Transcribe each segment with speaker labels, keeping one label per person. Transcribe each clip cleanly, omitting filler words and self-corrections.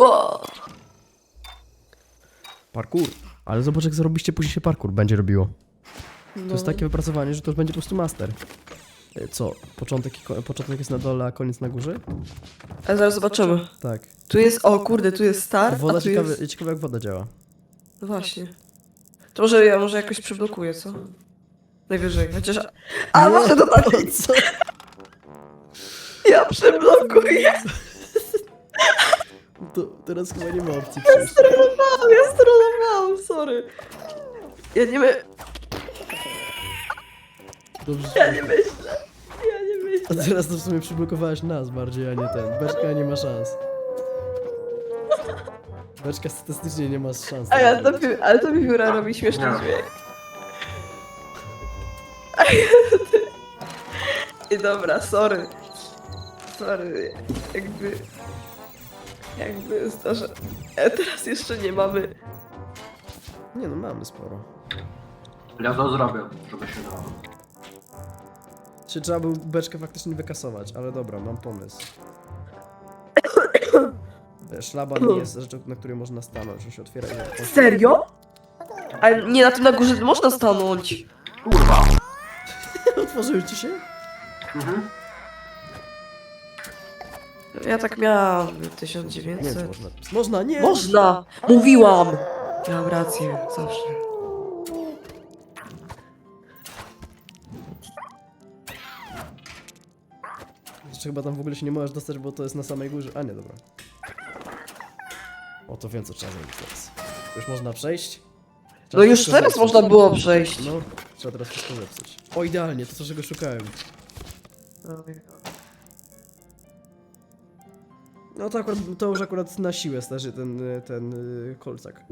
Speaker 1: O!
Speaker 2: Parkour. Ale zobacz, jak zarobiście, później się parkour będzie robiło.
Speaker 1: No.
Speaker 2: To jest takie wypracowanie, że to już będzie po prostu master. Co? Początek jest na dole, a koniec na górze?
Speaker 1: A zaraz zobaczymy.
Speaker 2: Tak.
Speaker 1: Tu jest, o kurde, tu jest start,
Speaker 2: Woda
Speaker 1: a tu jest...
Speaker 2: ciekawe jak woda działa.
Speaker 1: No właśnie. To może ja jakoś przyblokuję, co? Najwyżej, chociaż... A, może to tak...
Speaker 2: Co?
Speaker 1: Ja przyblokuję!
Speaker 2: To teraz chyba nie ma opcji
Speaker 1: Ja
Speaker 2: przejść.
Speaker 1: strollowałam, sorry. Ja nie my...
Speaker 2: Dobrze.
Speaker 1: Ja nie myślę. Ja nie myślę.
Speaker 2: A teraz to w sumie przyblokowałeś nas bardziej, a nie ten. Beczka nie ma szans. Beczka statystycznie nie ma szans.
Speaker 1: Ale to mi biura robi śmieszny dźwięk. I dobra, sorry. Sorry, jakby jest to, że teraz jeszcze nie mamy.
Speaker 2: Nie no, mamy sporo.
Speaker 3: Ja to zrobię, żeby się dało.
Speaker 2: Czy trzeba był beczkę faktycznie wykasować, ale dobra, mam pomysł. Szlaban nie jest rzeczą, na której można stanąć, że się otwiera i...
Speaker 1: Serio? Ale nie, na tym na górze można stanąć.
Speaker 3: Kurwa!
Speaker 2: Otworzyły ci się?
Speaker 3: Mhm.
Speaker 1: Ja tak miałam w
Speaker 2: Nie wiem, czy
Speaker 1: 1900.
Speaker 2: można. Można, nie!
Speaker 1: Można! Mówiłam! Miałam rację, zawsze.
Speaker 2: Jeszcze chyba tam w ogóle się nie możesz dostać, bo to jest na samej górze. A nie, dobra. O, to wiem, co trzeba zrobić teraz. Już można przejść? Trzeba
Speaker 1: No już
Speaker 2: wszystko
Speaker 1: teraz
Speaker 2: zepsuć.
Speaker 1: można było przejść.
Speaker 2: No, trzeba teraz wszystko zepsuć. O, idealnie, to czego szukałem. No to już akurat na siłę starzy ten kolcak.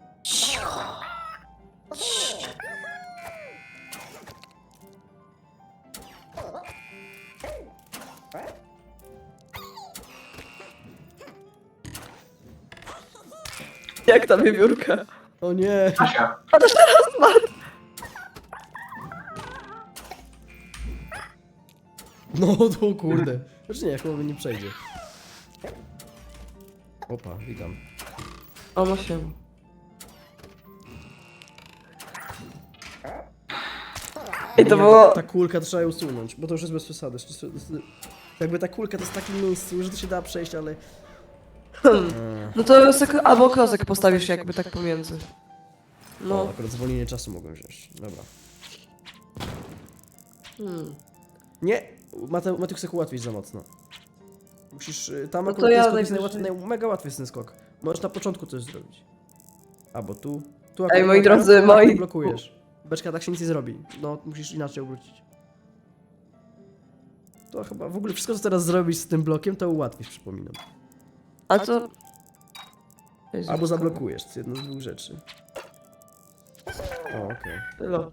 Speaker 1: Jak ta wiewiórka?
Speaker 2: O nie!
Speaker 3: Kasia,
Speaker 1: A to teraz ma.
Speaker 2: No to kurde. Znaczy nie, chyba nie przejdzie. Opa, witam.
Speaker 1: O, ma się. I to
Speaker 2: Nie,
Speaker 1: było...
Speaker 2: Ta kulka to trzeba ją usunąć, bo to już jest bez przesady. Jakby ta kulka to jest w takim miejscu, że to się da przejść, ale...
Speaker 1: No to albo klocek postawisz jakby tak pomiędzy.
Speaker 2: No.
Speaker 1: No.
Speaker 2: O, akurat zwolnienie czasu mogłem wziąć. Dobra. Nie! Matek chce ułatwić za mocno. Musisz... Tam
Speaker 1: No to
Speaker 2: akurat
Speaker 1: ja
Speaker 2: ten skok jest
Speaker 1: najwyżej.
Speaker 2: mega łatwy jest ten skok. Możesz na początku coś zrobić. Albo tu. Tu
Speaker 1: Ej, moi drodzy, moi...
Speaker 2: blokujesz. Beczka tak się nic nie zrobi. No, musisz inaczej obrócić. To chyba w ogóle wszystko, co teraz zrobisz z tym blokiem, to ułatwisz, przypominam.
Speaker 1: A to... Jezu,
Speaker 2: Albo zablokujesz, to jest jedna z dwóch rzeczy. O, okej.
Speaker 1: Tylo.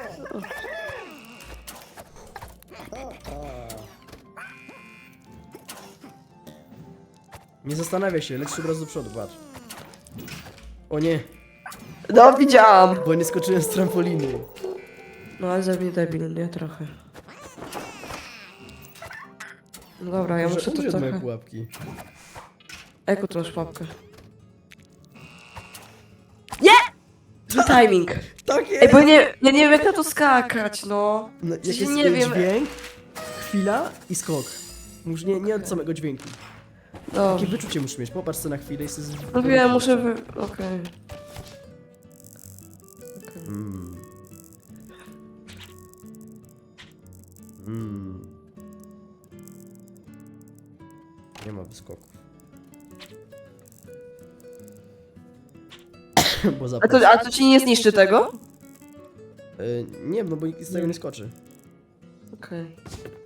Speaker 2: Nie zastanawiaj się, lecisz od razu do przodu, patrz. O nie,
Speaker 1: No, widziałam.
Speaker 2: bo nie skoczyłem z trampoliny.
Speaker 1: No, ale ze mnie debil, nie? Trochę. No dobra, ja muszę to
Speaker 2: umrze od mojej
Speaker 1: trochę...
Speaker 2: pułapki.
Speaker 1: Eko, tu masz pułapkę. Nie! Zły timing.
Speaker 2: Tak jest!
Speaker 1: Ej, bo nie, ja nie wiem jak na to skakać, no.
Speaker 2: No, jak
Speaker 1: Przecież
Speaker 2: jest
Speaker 1: nie wiem.
Speaker 2: dźwięk, chwila i skok. Nie od samego dźwięku. Takie
Speaker 1: Dobrze.
Speaker 2: wyczucie musisz mieć, popatrz sobie na chwilę i sobie...
Speaker 1: No wiem, muszę wy... Okej.
Speaker 2: Mm. Mm. Nie ma wyskoków. Bo
Speaker 1: A to ci nie zniszczy tego?
Speaker 2: nie, no bo nikt z tego nie skoczy.
Speaker 1: Okej.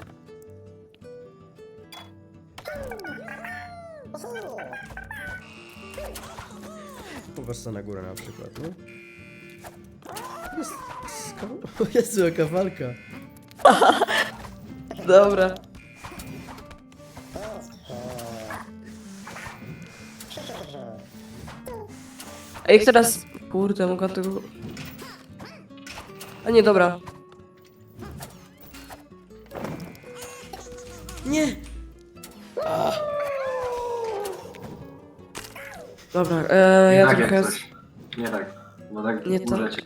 Speaker 2: Popatrz sobie na górę na przykład, nie? Jest... O Jezu, jaka walka.
Speaker 1: Dobra. Ej, jak teraz... Kurde, mogę tego... A nie, dobra.
Speaker 2: Nie!
Speaker 1: Dobra,
Speaker 3: Nie
Speaker 1: ja
Speaker 3: tak
Speaker 1: trochę...
Speaker 3: jak coś. Nie tak. Bo tak
Speaker 1: Nie tak.
Speaker 3: umrzecie.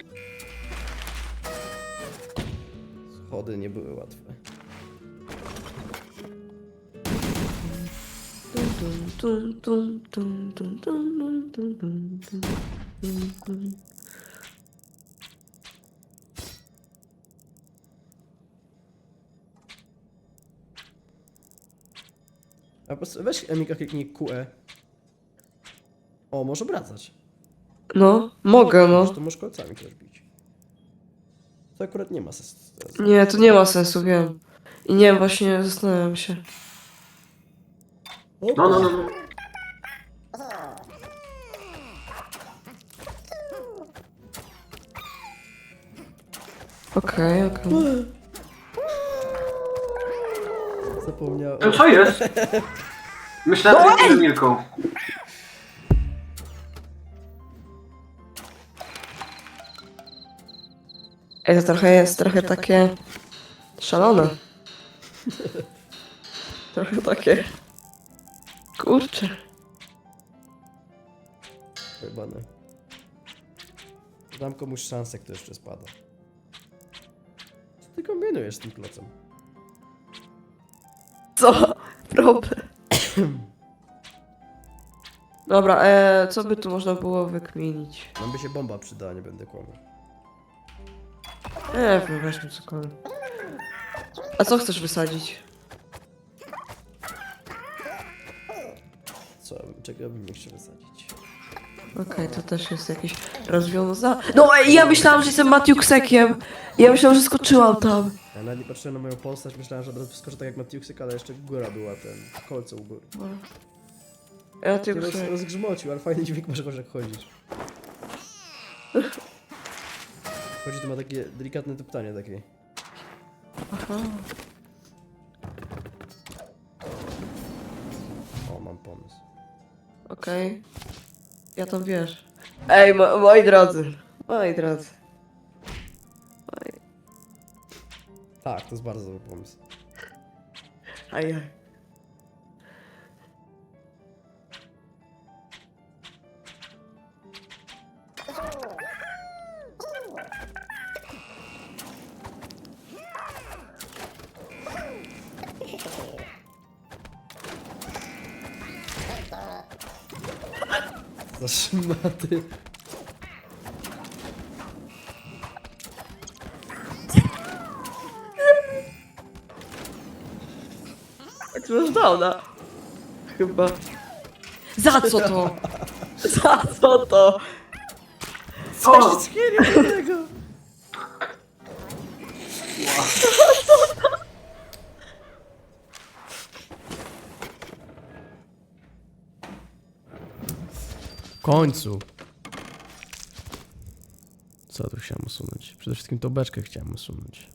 Speaker 2: Schody nie były łatwe.
Speaker 1: Tum, tum, tum, tum, tum, tum, tum, tum, tum, tum, tum.
Speaker 2: A po prostu weź Emika kliknij QE. O, może wracać.
Speaker 1: No, mogę, no.
Speaker 2: To możesz kolcami też bić. To akurat nie ma sensu.
Speaker 1: Nie, to nie ma sensu, wiem. I nie wiem, właśnie zastanawiam się.
Speaker 3: No.
Speaker 1: Okej.
Speaker 2: Zapomniałem.
Speaker 3: To co jest? Myślałem, że jestem Milką.
Speaker 1: Ej, to trochę jest, trochę takie... szalone. Trochę takie... Kurczę.
Speaker 2: Jebane. Dam komuś szansę, kto jeszcze spada. Co ty kombinujesz z tym klocem?
Speaker 1: Co? Problem. Dobra, co by tu można było wykminić?
Speaker 2: Nam by się bomba przydała, nie będę kłamał.
Speaker 1: Wiem, weźmy cokolwiek. A co chcesz wysadzić?
Speaker 2: Co, czego bym nie chciał wysadzić?
Speaker 1: Okej, to też jest jakieś rozwiązanie. No ej, ja myślałam, że jestem Matiuksekiem. Ja myślałam, że skoczyłam tam.
Speaker 2: Ja nawet nie patrzyłem na moją postać, myślałem, że od razu wskoczę tak jak Matiuksek, ale jeszcze góra była, kolce u góry. Ty
Speaker 1: Matiuksek.
Speaker 2: rozgrzmocił, ale fajny dźwięk masz, jak chodzisz. Chodzi, to ma takie delikatne tuptanie takie.
Speaker 1: Aha.
Speaker 2: O, mam pomysł.
Speaker 1: Okej. Ja tam wiesz. Ej, moi drodzy. Moi drodzy.
Speaker 2: Tak, to jest bardzo dobry pomysł.
Speaker 1: Ajaj.
Speaker 2: Za szmaty.
Speaker 1: Jak to masz downa? Chyba. Za co to? Za co to?
Speaker 3: O!
Speaker 2: Schylnie do tego. W końcu. Co tu chciałem usunąć? Przede wszystkim tą beczkę chciałem usunąć.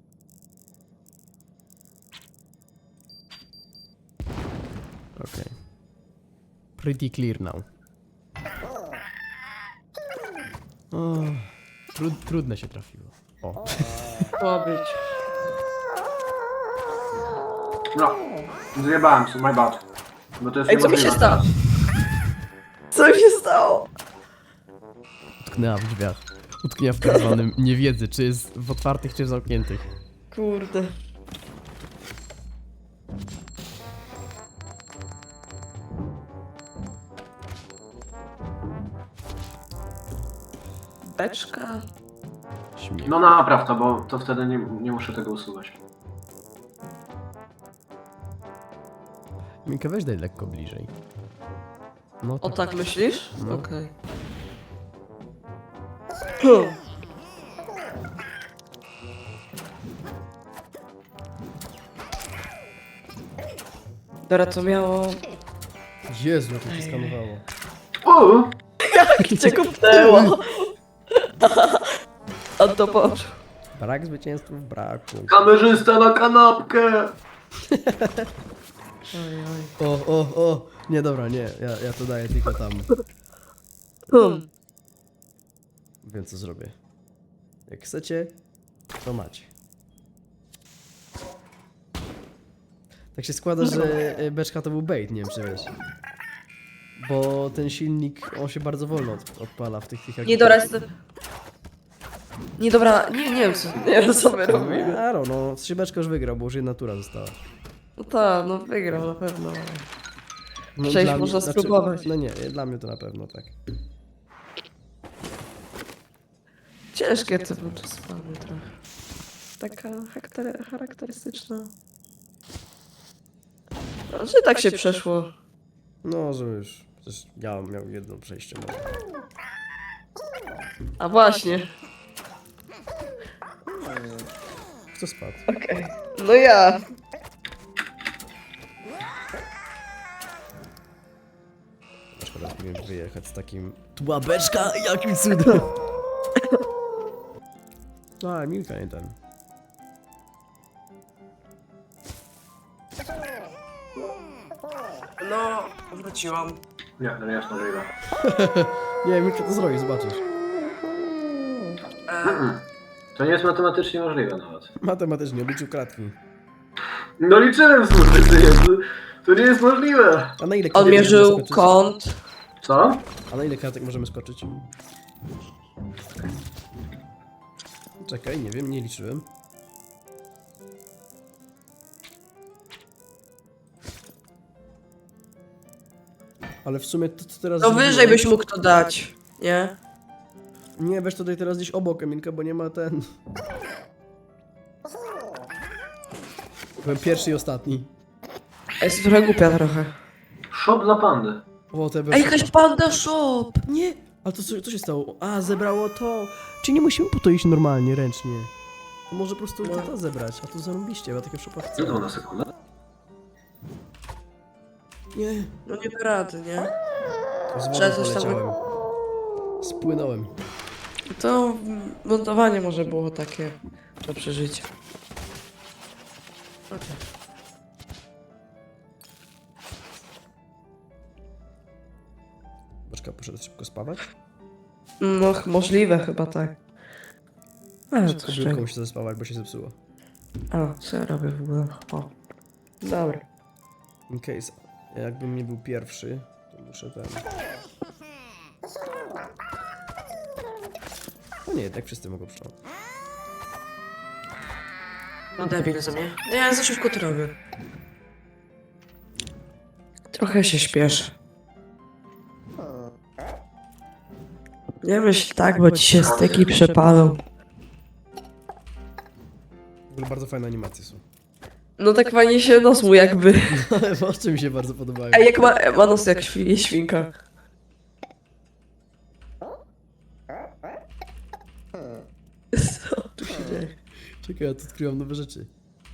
Speaker 2: Okej. Pretty clear now. O, trudne się trafiło. O.
Speaker 1: Ma być.
Speaker 3: No. Zjebałem się, my bad. Bo to jest
Speaker 1: Ej, co mi się
Speaker 3: niemożliwe.
Speaker 1: stało? Co mi się stało?
Speaker 2: Utknęła w drzwiach. Utknęła w tak zwanym niewiedzy, czy jest w otwartych, czy w zamkniętych.
Speaker 1: Kurde. Beczka.
Speaker 2: Śmiech.
Speaker 3: No napraw to, bo to wtedy nie muszę tego usuwać.
Speaker 2: Minka, weź daj lekko bliżej. No
Speaker 1: O tak myślisz?
Speaker 2: No.
Speaker 1: Okej. Dobra, to miało...
Speaker 2: Jezu, jak to się skanowało.
Speaker 3: O!
Speaker 1: Jak cię kupnęło? A to poczuł.
Speaker 2: Brak zwycięstwów braku.
Speaker 3: Kamerzysta na kanapkę!
Speaker 1: Oj, oj.
Speaker 2: O. Nie, dobra, nie. Ja to daję tylko tam. Wiem, co zrobię. Jak chcecie, to macie. Tak się składa, że beczka to był bait, nie wiem czy wiesz. Bo ten silnik, on się bardzo wolno odpala w tych
Speaker 1: Nie, dobra, jestem... Nie, dobra, nie wiem co, nie wiem co my robimy.
Speaker 2: Aro, no, szybeczko już wygrał, bo już jedna tura została.
Speaker 1: No tak, no wygrał na pewno.
Speaker 2: No,
Speaker 1: Przejść
Speaker 2: dla
Speaker 1: można
Speaker 2: mnie-
Speaker 1: spróbować.
Speaker 2: No nie, dla mnie to na pewno tak.
Speaker 1: Ciężkie to był czasami trochę. Taka charakterystyczna. No, że tak się przeszło.
Speaker 2: No, że już, przecież ja miał jedno przejście. No.
Speaker 1: A właśnie.
Speaker 2: Kto spadł?
Speaker 1: Okej. No ja.
Speaker 2: Szkoda, że miałem wyjechać z takim... Tu była beczka, jakim cudem! A, Milka nie ten.
Speaker 1: No, wróciłam.
Speaker 3: Nie, to nie jest możliwe.
Speaker 2: Nie, Milka to zrobi, zobaczysz.
Speaker 3: To nie jest matematycznie możliwe nawet.
Speaker 2: Matematycznie, obliczył kratki.
Speaker 3: No liczyłem słusznie, to nie jest możliwe.
Speaker 2: A na ile
Speaker 1: On
Speaker 2: kratek możemy
Speaker 1: mierzył
Speaker 2: skoczyć?
Speaker 1: kąt.
Speaker 3: Co?
Speaker 2: A na ile kratek możemy skoczyć? Czekaj, nie wiem, nie liczyłem. Ale w sumie to co teraz...
Speaker 1: No
Speaker 2: zrobiłem-
Speaker 1: wyżej byś mógł to dać. Nie?
Speaker 2: Nie, weź tutaj teraz gdzieś obok, Emilka, bo nie ma ten... Byłem pierwszy i ostatni.
Speaker 1: Jest trochę głupia trochę.
Speaker 3: Shop dla pandy.
Speaker 2: O, te
Speaker 1: Ej, jakaś panda shop!
Speaker 2: Nie! Ale to co się stało? A, zebrało to! Czy nie musimy po to iść normalnie, ręcznie? To może po prostu to zebrać, a to zarobiście, bo takie w shopach
Speaker 3: Co to na sekundę?
Speaker 2: Nie!
Speaker 1: No nie da rady, nie?
Speaker 2: Z wodą
Speaker 1: Trzeba coś tam
Speaker 2: poleciałem. Spłynąłem.
Speaker 1: To montowanie może było takie do przeżycia. Okej.
Speaker 2: Boczka poszedł szybko spawać.
Speaker 1: No, możliwe chyba tak. Ale to
Speaker 2: Kobyłką mu się zaspawać, bo się zepsuło.
Speaker 1: A, co ja robię w ogóle? O. Dobra.
Speaker 2: In case, jakbym nie był pierwszy, to muszę ten... No nie, tak wszyscy mogą przyjąć.
Speaker 1: No debil za mnie. Ja za szybko to robię. Trochę się śpieszę. Nie myśl tak, bo ci się styki przepalą.
Speaker 2: W ogóle bardzo fajne animacje są.
Speaker 1: No tak fajnie się nos mu jakby.
Speaker 2: Ale oczy mi się bardzo podobają.
Speaker 1: Ej, jak ma nos jak świnka. Co tu się dzieje?
Speaker 2: Czekaj, ja tu odkryłam nowe rzeczy.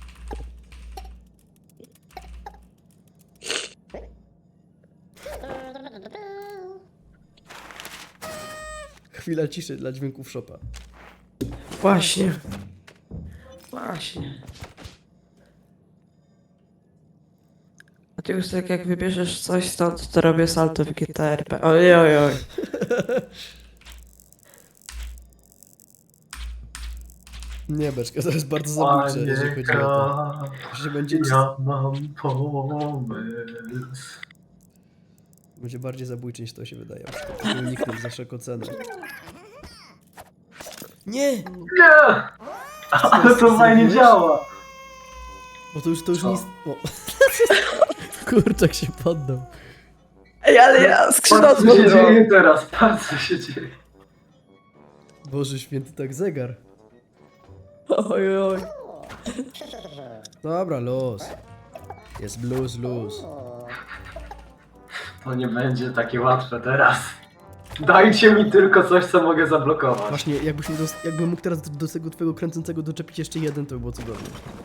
Speaker 2: Chwila ciszy dla dźwięków shopa.
Speaker 1: Właśnie. Właśnie. A ty już tak jak wybierzesz coś stąd, to robię salto w GTRP. Oj, oj, oj.
Speaker 2: Nie, beczka, to jest bardzo zabójcze, jeżeli chodzi o to. To się będzie,
Speaker 3: Ja mam pomysł.
Speaker 2: będzie bardziej zabójcze niż to się wydaje. Żeby uniknąć za wszelką cenę. Nie!
Speaker 3: Nie! Ale to fajnie działa.
Speaker 2: Bo to już
Speaker 3: Co?
Speaker 2: nic... O. Kurczak się poddał.
Speaker 1: Ej, ale ja skrzydła
Speaker 3: Patrz co się
Speaker 1: złożyłam.
Speaker 3: dzieje teraz, patrz co się dzieje.
Speaker 2: Boże święty, tak zegar.
Speaker 1: Oj, oj.
Speaker 2: Dobra, luz. Jest blues, luz.
Speaker 3: To nie będzie takie łatwe teraz. Dajcie mi tylko coś, co mogę zablokować.
Speaker 2: Właśnie, jakbym mógł teraz do tego twojego kręcącego doczepić jeszcze jeden, to by było cudownie.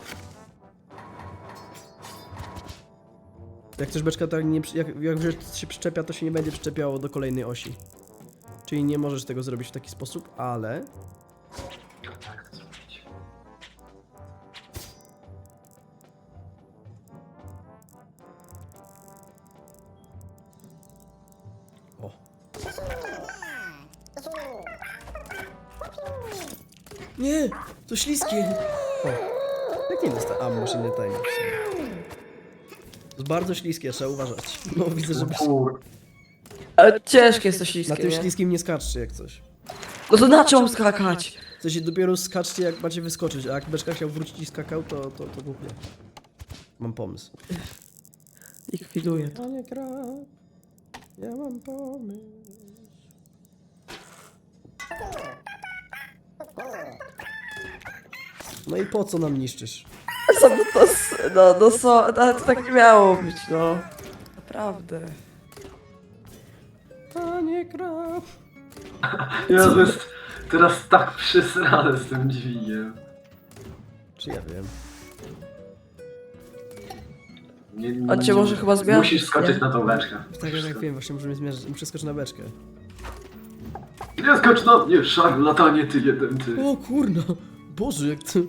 Speaker 2: Jak też beczka tak nie... Jak się przyczepia, to się nie będzie przyczepiało do kolejnej osi. Czyli nie możesz tego zrobić w taki sposób, ale... O. Nie! To śliskie! O. Jak nie dostałem? A, może nie tajne. To jest bardzo śliskie, trzeba uważać. No widzę, że...
Speaker 3: Kur...
Speaker 1: Ale ciężkie jest to
Speaker 2: Na
Speaker 1: śliskie,
Speaker 2: tym
Speaker 1: nie?
Speaker 2: śliskim nie skaczcie jak coś.
Speaker 1: No to na czym mam skakać?
Speaker 2: W sensie dopiero skaczcie jak macie wyskoczyć, a jak Beczka chciał wrócić i skakał, to głupie. Mam pomysł.
Speaker 1: Likwiduję to.
Speaker 2: Panie Krab, ja mam pomysł. No i po co nam niszczysz?
Speaker 1: Ale to tak nie miało być, no. Naprawdę.
Speaker 2: Panie Krab.
Speaker 3: Jezu, jest teraz tak przysrane z tym dźwigiem.
Speaker 2: Czy ja wiem?
Speaker 3: Nie,
Speaker 1: On cię może chyba zmiażdżyć,
Speaker 3: Musisz skoczyć
Speaker 1: nie?
Speaker 3: na tą beczkę.
Speaker 2: Tak jak wiem, właśnie możemy zmierzyć. Muszę skoczyć na beczkę.
Speaker 3: Nie skocz na mnie, szarlatanie ty jeden ty.
Speaker 2: O kurno! Boże, jak ty...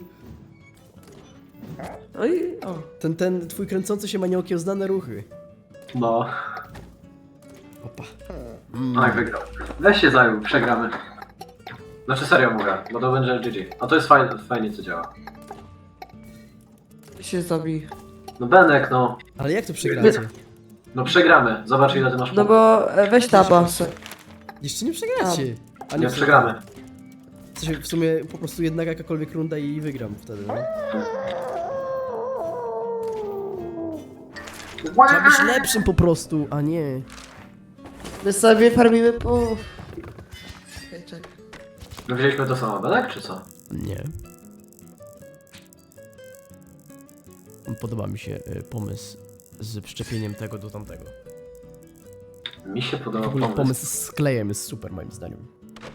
Speaker 1: No i o.
Speaker 2: Ten twój kręcący się ma nieokiełznane ruchy.
Speaker 3: No,
Speaker 2: Opa.
Speaker 3: tak wygrał. Weź się zajął, przegramy. Znaczy serio mówię, bo to będzie GG. A to jest fajnie co działa.
Speaker 1: Się zabij.
Speaker 3: No Benek, no.
Speaker 2: Ale jak to przegracie?
Speaker 3: No przegramy. Zobacz ile ty masz
Speaker 1: No
Speaker 3: punktów.
Speaker 1: bo weź tabasę.
Speaker 2: Jeszcze nie przegracie. A
Speaker 3: Nie przegramy.
Speaker 2: W sensie w sumie po prostu jedna jakakolwiek runda i wygram wtedy, no. Trzeba być lepszym po prostu, a nie.
Speaker 1: My sobie farmimy po... Czekaj.
Speaker 3: My wzięliśmy to samo, Benek, czy co?
Speaker 2: Nie. Podoba mi się pomysł z wszczepieniem tego do tamtego.
Speaker 3: Mi się
Speaker 2: W
Speaker 3: podobał
Speaker 2: ogóle
Speaker 3: pomysł.
Speaker 2: pomysł z klejem jest super moim zdaniem.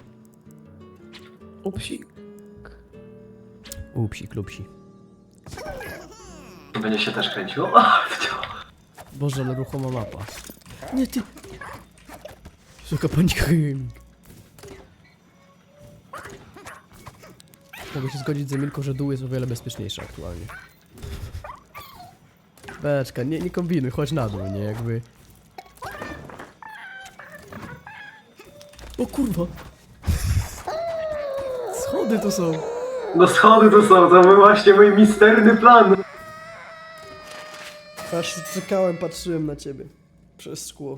Speaker 1: Upsi.
Speaker 2: Upsi, klupsi.
Speaker 3: Będzie się też kręciło.
Speaker 2: Boże, ale ruchoma mapa. Nie ty. Suka panika gaming. Mogę się zgodzić z Emilką, że dół jest o wiele bezpieczniejszy aktualnie. Beczka, nie kombinuj, chodź na dół, nie jakby. O kurwa! Schody to są!
Speaker 3: No schody to są, to był właśnie mój misterny plan.
Speaker 2: Aż czekałem, patrzyłem na ciebie. Przez szkło.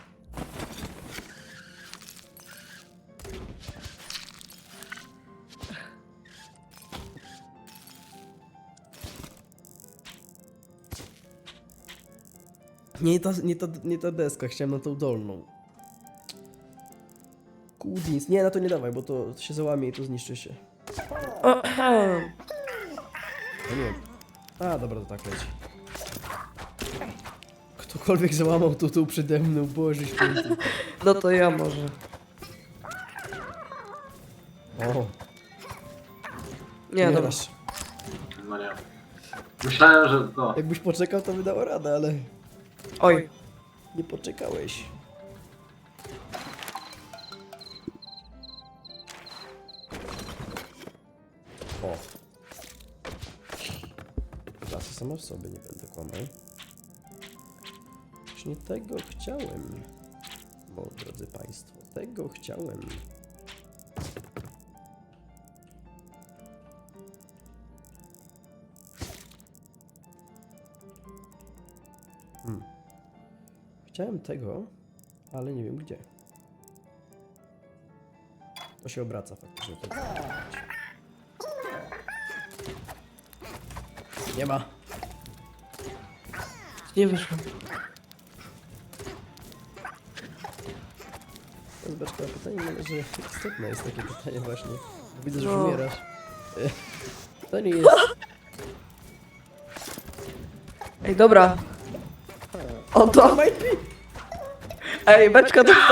Speaker 2: Nie ta deska, chciałem na tą dolną. Kudins, nie, na to nie dawaj, bo to się załamie i to zniszczy się. No nie. A, dobra, to tak leci. Ktokolwiek załamał tu przede mną, Boże święty.
Speaker 1: No to ja może.
Speaker 2: O,
Speaker 1: Nie, dobra.
Speaker 2: dasz.
Speaker 3: No nie. Myślałem, że no.
Speaker 2: Jakbyś poczekał, to by dało radę, ale
Speaker 1: Oj.
Speaker 2: nie poczekałeś. O. Klasy sama w sobie, nie będę kłamał. Już nie tego chciałem. Bo, drodzy Państwo, tego chciałem. Chciałem tego, ale nie wiem gdzie. To się obraca faktycznie. Nie ma.
Speaker 1: Nie wyszło.
Speaker 2: To jest beczka pytanie, że istotne jest takie pytanie właśnie. Bo widzę, że
Speaker 1: No.
Speaker 2: umierasz. To nie jest...
Speaker 1: Ej, dobra. O to. Ej, beczka to...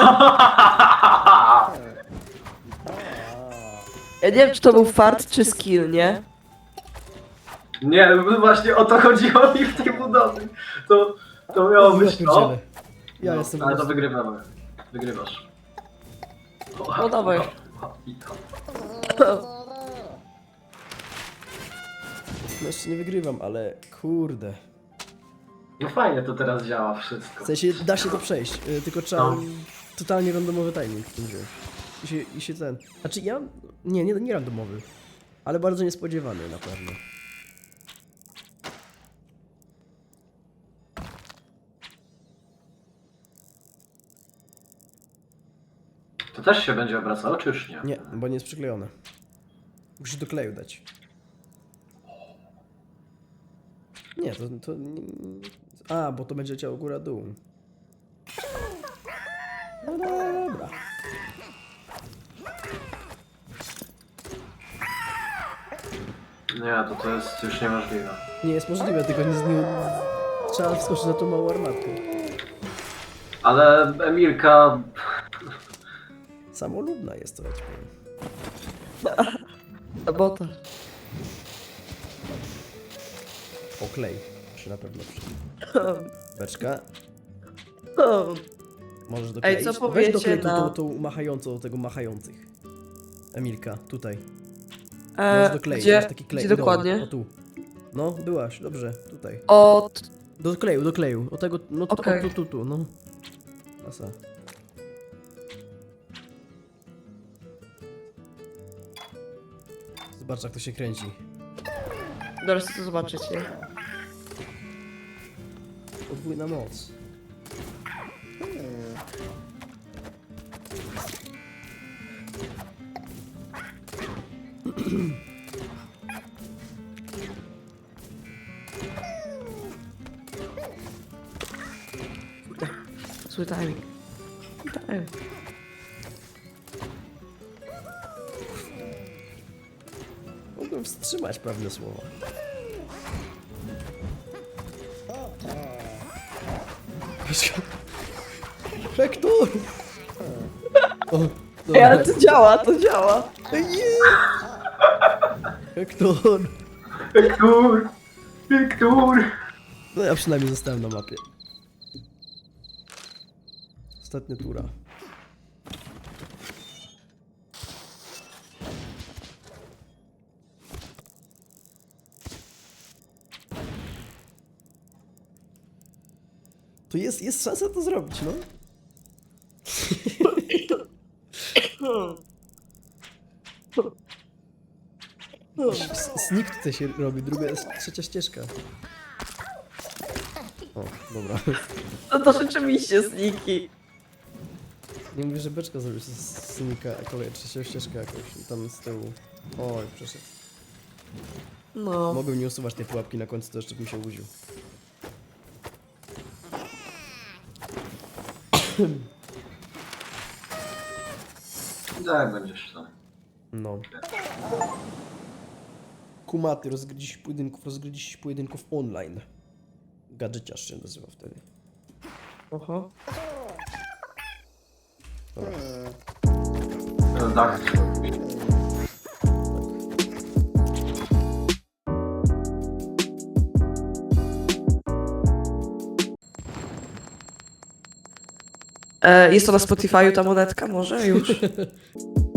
Speaker 1: Ja nie wiem, czy to był fart, czy skill, nie?
Speaker 3: Nie, no właśnie o to chodziło mi w tej budowie. To miało być to.
Speaker 2: pierdzielę. Ja
Speaker 3: No,
Speaker 2: jestem
Speaker 3: ale
Speaker 2: po
Speaker 3: to
Speaker 2: prostu-
Speaker 3: wygrywamy. Wygrywasz.
Speaker 1: No dawaj.
Speaker 3: I to.
Speaker 2: No jeszcze nie wygrywam, ale kurde.
Speaker 3: No fajnie to teraz działa wszystko.
Speaker 2: W sensie da się to przejść, tylko trzeba
Speaker 3: No.
Speaker 2: totalnie randomowy timing w tym wziąć. I się ten... Znaczy ja... Nie randomowy. Ale bardzo niespodziewany na pewno.
Speaker 3: To też się będzie obracało, czy już nie?
Speaker 2: Nie, bo nie jest przyklejone. Musisz do kleju dać. Nie, to nie... A, bo to będzie leciało góra-dół. No dobra.
Speaker 3: Nie, to jest już niemożliwe.
Speaker 2: Nie jest możliwe, tylko nie... Trzeba wskoczyć na tą małą armatkę.
Speaker 3: Ale Emilka...
Speaker 2: Samolubna jest to, ja ci powiem.
Speaker 1: Bo to.
Speaker 2: O, klej. Się na pewno przy... Beczka. Możesz dokleić.
Speaker 1: Ej, co
Speaker 2: Weź
Speaker 1: powiecie
Speaker 2: doklej
Speaker 1: na-
Speaker 2: tą machającą, tego machających. Emilka, tutaj. Możesz dokleić,
Speaker 1: Gdzie,
Speaker 2: masz taki klej.
Speaker 1: gdzie
Speaker 2: Idąc.
Speaker 1: dokładnie?
Speaker 2: O tu. No, byłaś, dobrze, tutaj.
Speaker 1: Od...
Speaker 2: Do kleju. O tego, no tu,
Speaker 1: Okej.
Speaker 2: tu, no. Klasa. Zobacz, jak to się kręci.
Speaker 1: Zaraz chcę to zobaczyć, nie?
Speaker 2: Podwójna moc.
Speaker 1: Zły timing. Timing.
Speaker 2: Mogłem wstrzymać pewne słowa. Hektor! O,
Speaker 1: Ej, ale
Speaker 2: dobra.
Speaker 1: to działa, to działa.
Speaker 2: Hektor!
Speaker 3: Wiktor! Wiktor!
Speaker 2: No ja przynajmniej zostałem na mapie. Ostatnia tura. To jest szansa to zrobić, no. Sneak tutaj się robi, trzecia ścieżka. O, dobra.
Speaker 1: No to rzeczywiście sniki.
Speaker 2: Nie mówię, że beczka zrobisz z Sneaka, trzecia ścieżka jakoś tam z tyłu. Oj, przeszedł.
Speaker 1: No.
Speaker 2: Mogłem nie usuwać tej pułapki na końcu, to jeszcze bym się łudził.
Speaker 3: Tak, będziesz tam.
Speaker 2: No. Kumaty, rozgryzić pojedynków online. Gadżeciarz się nazywa wtedy.
Speaker 1: Oho.
Speaker 2: Dobra.
Speaker 3: Tak.
Speaker 1: Jest to na Spotify'u ta monetka może już?